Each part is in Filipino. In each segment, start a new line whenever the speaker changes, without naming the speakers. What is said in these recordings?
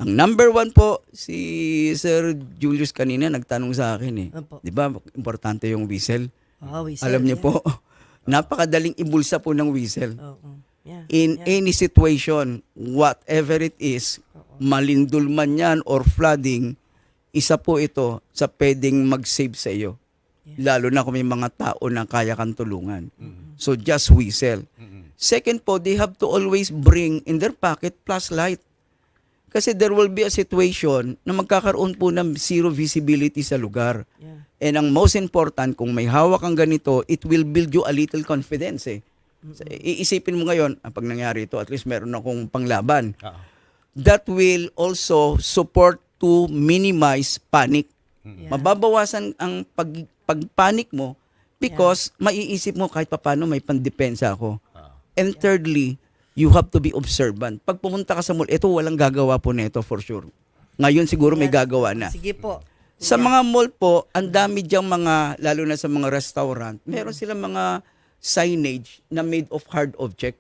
Ang number one po, si Sir Julius kanina nagtanong sa akin eh.
Opo.
Di ba, importante yung whistle.
Whistle,
Alam niyo
yeah.
po, napakadaling ibulsa po ng whistle.
Yeah.
In any situation, whatever it is, malindol man yan or flooding, isa po ito sa pwedeng mag-save sa iyo. Lalo na kung may mga tao na kaya kang tulungan. So just whistle. Second po, they have to always bring in their pocket flashlight. Kasi there will be a situation na magkakaroon po ng zero visibility sa lugar.
Yeah.
And ang most important, kung may hawak kang ganito, it will build you a little confidence eh. So, iisipin mo ngayon, pag nangyari ito, at least meron akong panglaban. That will also support to minimize panic.
Yeah.
Mababawasan ang pagpanik mo because maiisip mo kahit paano may pandepensa ako. And thirdly, you have to be observant. Pag pumunta ka sa mall, ito walang gagawa po nito for sure. Ngayon siguro may gagawa na.
Sige po.
Sa mga mall po, ang dami diyang mga, lalo na sa mga restaurant, meron silang mga signage na made of hard object.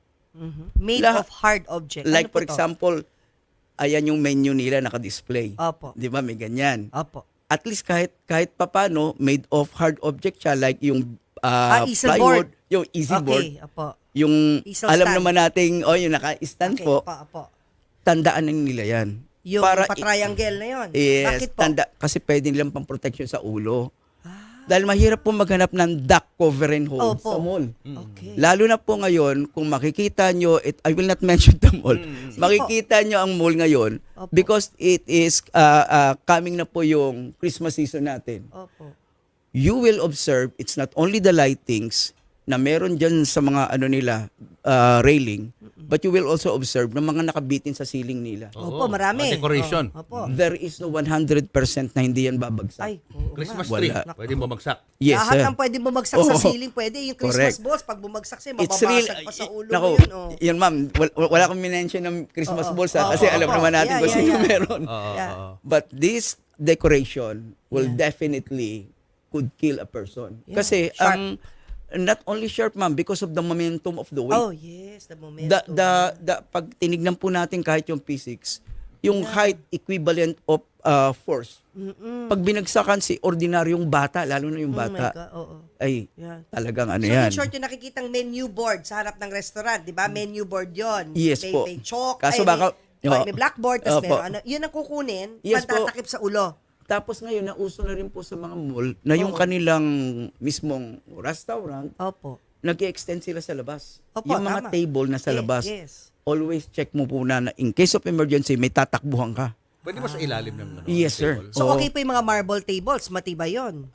Made of hard object.
Like
Ano po
for
to?
example, ayan yung menu nila naka-display.
Opo.
Di ba? May ganyan.
Opo.
At least kahit papano, made of hard object siya, like yung
easel
plywood,
board.
yung easy board,
Okay, opo.
yung
Easel
alam
stand.
naman nating, yung naka-stand
Okay,
po,
opo.
tandaan na nila yan.
Yung pa-triangle na yun.
Yes,
Bakit po?
kasi pwede nilang pang-protection sa ulo. Dahil mahirap po maghanap ng duck cover and hold
Opo.
sa mall.
Okay.
Lalo na po ngayon, kung makikita nyo, I will not mention the mall, makikita nyo ang mall ngayon
Opo.
because it is coming na po yung Christmas season natin.
Opo.
You will observe, it's not only the lightings na meron dyan sa mga railing, but you will also observe na mga nakabitin sa ceiling nila.
Opo, marami.
Decoration.
Opo.
There is no 100% na hindi yan babagsak.
Ay, oo nga.
Christmas
Wala.
tree. Pwede bumagsak.
Yes,
Lahat
sir.
ng pwede bumagsak sa
Oo.
ceiling, pwede. Yung Christmas
Correct.
balls, pag bumagsak siya,
It's real.
mababasag pa sa ulo
Nako,
mo yun. Oh.
yun ma'am, wala akong minention ng Christmas balls ha,
Oo,
kasi
oo,
alam
oo.
naman natin
Yeah,
kung
yeah,
sino
yeah.
meron.
Yeah.
But this decoration will definitely could kill a person.
Yeah,
Kasi
sharp.
not only sharp ma'am, because of the momentum of the weight.
Oh, yes, the momentum.
Pag tinignan po natin kahit yung physics, yung height equivalent of force. Pag binagsakan si ordinaryong bata, lalo na yung
Oh my
bata,
God, oo.
ay
Yeah.
talagang ano
So,
yan.
in short, yung nakikitang menu board sa harap ng restaurant, di ba? Menu board yon.
Yes
may,
po.
May chalk,
Kaso baka-
may blackboard, tapos
Opo.
may yun ang kukunin,
Yes po.
pantatakip sa ulo.
Tapos ngayon, nauso na rin po sa mga mall na yung kanilang mismong restaurant,
Opo.
nag-extend sila sa labas.
Opo,
Yung mga
tama.
table na sa
Yes,
labas,
yes.
always check mo po na in case of emergency, may tatakbuhan ka.
Pwede ba sa ilalim ng
Yes, sir.
table?
So,
Oo.
okay po yung mga marble tables, matibay yun.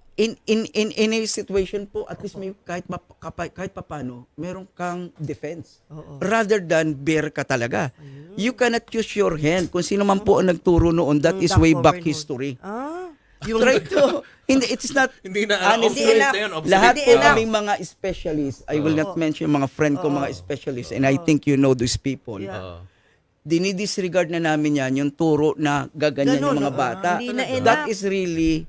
In a situation po, at least may kahit papano, meron kang defense.
Oo.
Rather than bare ka talaga. You cannot use your hand. Kung sino man po ang nagturo noon, that is
Duck
way
cover
back
and hold.
history.
Yung
Try to, hindi, it's not,
Hindi na,
honestly,
obsolete na yun, obsolete.
lahat
Hindi
po
enough.
kaming mga specialists, I will not mention mga friend ko, mga specialists, and I think you know those people.
Yeah.
Dinidisregard na namin yan, yung turo na gaganyan
Ganun,
yung mga bata.
hindi na
That
enough.
is really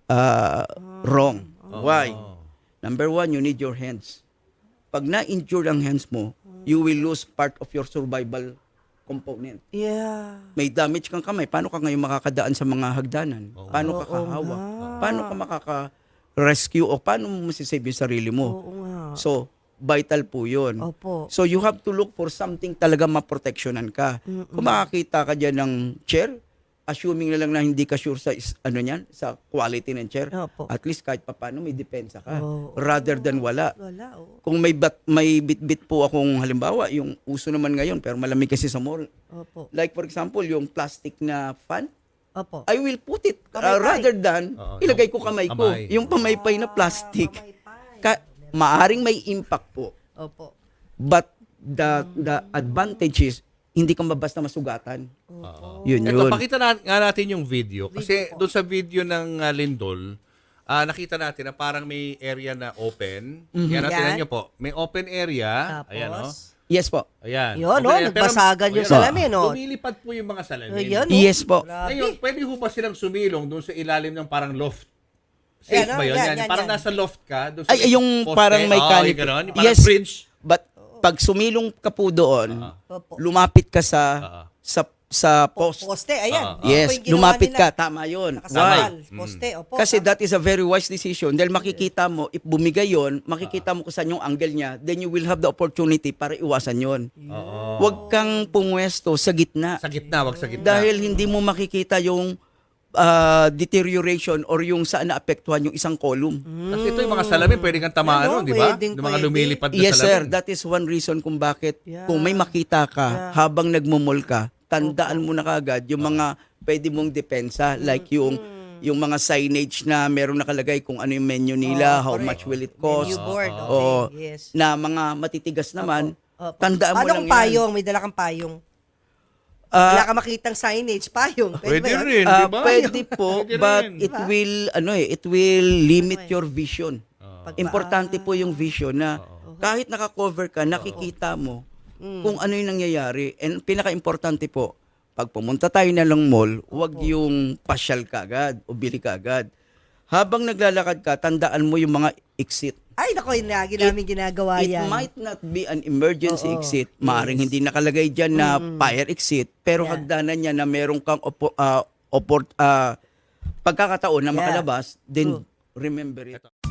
wrong. Why? Number one, you need your hands. Pag na-injure ang hands mo, you will lose part of your survival component.
Yeah.
May damage kang kamay, paano ka ngayon makakadaan sa mga hagdanan? Paano ka
Oo
kahawak?
nga.
Paano ka makaka-rescue o paano mo masisave yung sarili mo?
Oo nga.
So, vital po yun.
Opo.
So, you have to look for something talaga maproteksyonan ka. Kung makakita ka dyan ng chair, assuming na lang na hindi ka sure sa sa quality ng chair,
Opo.
at least kahit papaano may depensa ka.
Oo.
Rather than wala.
Wala, oo.
Kung may bit-bit po akong halimbawa, yung uso naman ngayon, pero malamig kasi sa mall.
Opo.
Like for example, yung plastic na fan,
Opo.
I will put it
Pamaypay.
rather than ilagay ko kamay ko.
kamay.
Yung pamaypay na plastic.
Pamaypay.
Maaring may impact po.
Opo.
But the advantage is, hindi ka basta masugatan. Yun
Ito,
yun.
pakita nga natin yung video. Kasi doon sa video ng Lindol, nakita natin na parang may area na open. Yan, tingnan nyo po. May open area.
Tapos,
Ayan, oh.
Yes po.
Ayan.
Yun,
Open
oh,
area. Pero-
nagbasagan yung
ayan,
salamin, oh.
Lumilipad po yung mga salamin.
Ayan, oh.
Yes po.
Ngayon, pwede ho ba silang sumilong doon sa ilalim ng parang loft? Safe
Ayan,
ba yun?
yan,
Yan,
yan,
parang
yan.
nasa loft ka. Doon sa
Ay, yung
poste.
parang may
Oo,
canopy.
yung ganon, yung parang
Yes.
bridge.
But pag sumilong ka po doon,
Opo.
lumapit ka sa sa post.
Poste, ayan.
Yes,
Ito yung ginawa
lumapit
nila.
ka, tama 'yon. Why?
Nakasakal, poste, opo.
Kasi that is a very wise decision. Dahil makikita mo, if bumigay yon, makikita mo kung saan yung angle niya, then you will have the opportunity para iwasan yon.
Oo.
Huwag kang pumwesto sa gitna.
Sa gitna, wag sa gitna.
Dahil hindi mo makikita yung deterioration or yung saan naapektuhan yung isang column.
Kasi ito yung mga salamin, pwede kang tamaan
Ano,
nun, di ba?
pwedeng,
Yung mga
pwede.
lumilipad na
Yes, sir.
salamin.
That is one reason kung bakit
Yeah.
kung may makita ka habang nagmumol ka, tandaan mo na kagad yung mga pwede mong depensa like yung mga signage na meron nakalagay kung ano yung menu nila, how
correct.
much will it cost.
Menu board, okay.
O
Yes.
na mga matitigas naman,
Opo.
tandaan mo
Paano
lang
kung
yan.
payong? May dala kang payong.
Ah,
Wala ka makitang signage, payong.
Pwede
ba yun?
rin, di ba?
Pwede po,
Pwede
but
rin.
it will it will limit your vision.
Pag-
Importante po yung vision na kahit naka-cover ka, nakikita mo kung ano yung nangyayari. And pinaka-importante po, pag pumunta tayo na lang mall, huwag yung pasyal ka agad o bili ka agad. Habang naglalakad ka, tandaan mo yung mga exit.
Ay, naku, yun lagi namin ginagawa
It
yan.
might not be an emergency
Oo.
exit. Maaring hindi nakalagay dyan na fire exit, pero
Yeah.
hagdanan niya na meron kang pagkakataon na
Yeah.
makalabas, then
True.
remember it.